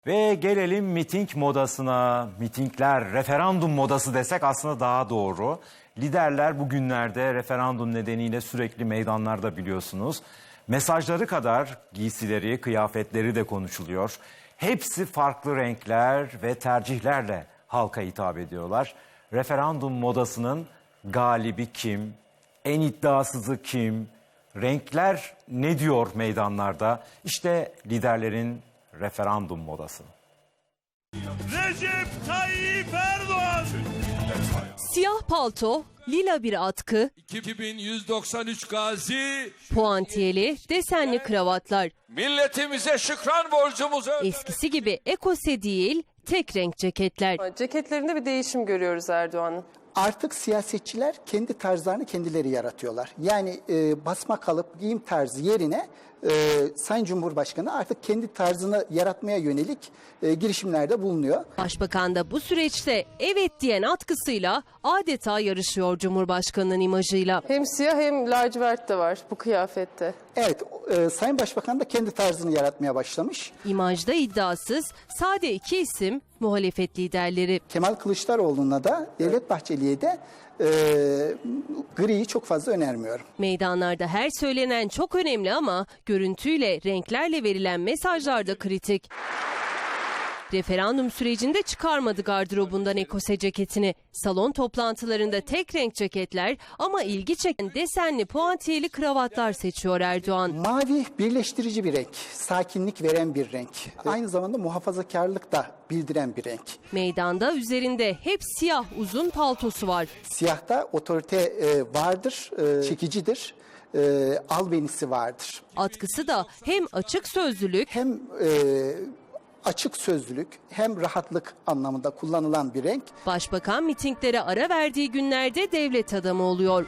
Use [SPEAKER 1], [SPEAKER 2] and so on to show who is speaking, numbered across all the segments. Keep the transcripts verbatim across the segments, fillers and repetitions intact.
[SPEAKER 1] Ve gelelim miting modasına. Mitingler, referandum modası desek aslında daha doğru. Liderler bugünlerde referandum nedeniyle sürekli meydanlarda biliyorsunuz. Mesajları kadar giysileri, kıyafetleri de konuşuluyor. Hepsi farklı renkler ve tercihlerle halka hitap ediyorlar. Referandum modasının galibi kim? En iddiasızı kim? Renkler ne diyor meydanlarda? İşte liderlerin referandum modası.
[SPEAKER 2] Recep Tayyip Erdoğan.
[SPEAKER 3] Siyah palto, lila bir atkı,
[SPEAKER 2] iki bin yüz doksan üç gazi.
[SPEAKER 3] puantiyeli, desenli kravatlar.
[SPEAKER 2] Milletimize şükran borcumuzu.
[SPEAKER 3] Eskisi gibi ekose değil, tek renk ceketler.
[SPEAKER 4] Ceketlerinde bir değişim görüyoruz Erdoğan'ın.
[SPEAKER 5] Artık siyasetçiler kendi tarzlarını kendileri yaratıyorlar. Yani e, basma kalıp giyim tarzı yerine e, Sayın Cumhurbaşkanı artık kendi tarzını yaratmaya yönelik e, girişimlerde bulunuyor.
[SPEAKER 3] Başbakan da bu süreçte evet diyen atkısıyla adeta yarışıyor Cumhurbaşkanı'nın imajıyla.
[SPEAKER 4] Hem siyah hem lacivert de var bu kıyafette.
[SPEAKER 5] Evet, e, Sayın Başbakan da kendi tarzını yaratmaya başlamış.
[SPEAKER 3] İmajda iddiasız, sade iki isim muhalefet liderleri.
[SPEAKER 5] Kemal Kılıçdaroğlu'na da Devlet Bahçeli'ye de e, griyi çok fazla önermiyorum.
[SPEAKER 3] Meydanlarda her söylenen çok önemli ama görüntüyle, renklerle verilen mesajlar da kritik. Referandum sürecinde çıkarmadı gardırobundan ekose ceketini. Salon toplantılarında tek renk ceketler ama ilgi çeken desenli puantiyeli kravatlar seçiyor Erdoğan.
[SPEAKER 5] Mavi birleştirici bir renk, sakinlik veren bir renk. Aynı zamanda muhafazakarlık da bildiren bir renk.
[SPEAKER 3] Meydanda üzerinde hep siyah uzun paltosu var.
[SPEAKER 5] Siyahta otorite e, vardır, e, çekicidir, e, albenisi vardır.
[SPEAKER 3] Atkısı da hem açık sözlülük
[SPEAKER 5] Hem e, açık sözlülük hem rahatlık anlamında kullanılan bir renk.
[SPEAKER 3] Başbakan mitinglere ara verdiği günlerde devlet adamı oluyor.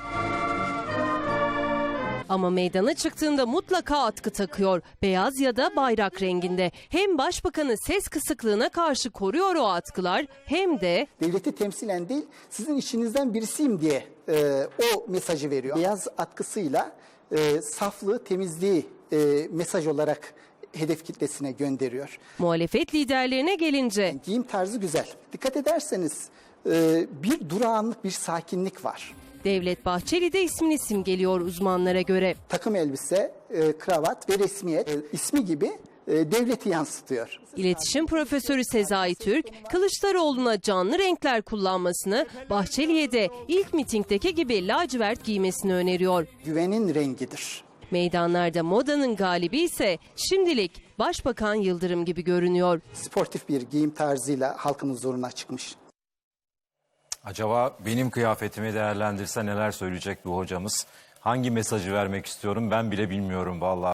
[SPEAKER 3] Ama meydana çıktığında mutlaka atkı takıyor. Beyaz ya da bayrak renginde. Hem başbakanı ses kısıklığına karşı koruyor o atkılar hem de
[SPEAKER 5] Devleti temsilen değil, sizin içinizden birisiyim diye e, o mesajı veriyor. Beyaz atkısıyla e, saflığı, temizliği e, mesaj olarak hedef kitlesine gönderiyor.
[SPEAKER 3] muhalefet liderlerine gelince
[SPEAKER 5] Giyim tarzı güzel. Dikkat ederseniz e, bir durağanlık, bir sakinlik var.
[SPEAKER 3] Devlet Bahçeli de ismini simgeliyor uzmanlara göre.
[SPEAKER 5] Takım elbise, e, kravat ve resmiyet e, ismi gibi e, devleti yansıtıyor.
[SPEAKER 3] İletişim Profesörü Sezai Türk, Kılıçdaroğlu'na canlı renkler kullanmasını, Bahçeli'ye de ilk mitingdeki gibi lacivert giymesini öneriyor.
[SPEAKER 5] Güvenin rengidir.
[SPEAKER 3] Meydanlarda modanın galibi ise şimdilik Başbakan Yıldırım gibi görünüyor.
[SPEAKER 5] Sportif bir giyim tarzıyla halkın huzuruna çıkmış.
[SPEAKER 1] Acaba benim kıyafetimi değerlendirse neler söyleyecek bu hocamız? Hangi mesajı vermek istiyorum ben bile bilmiyorum vallahi.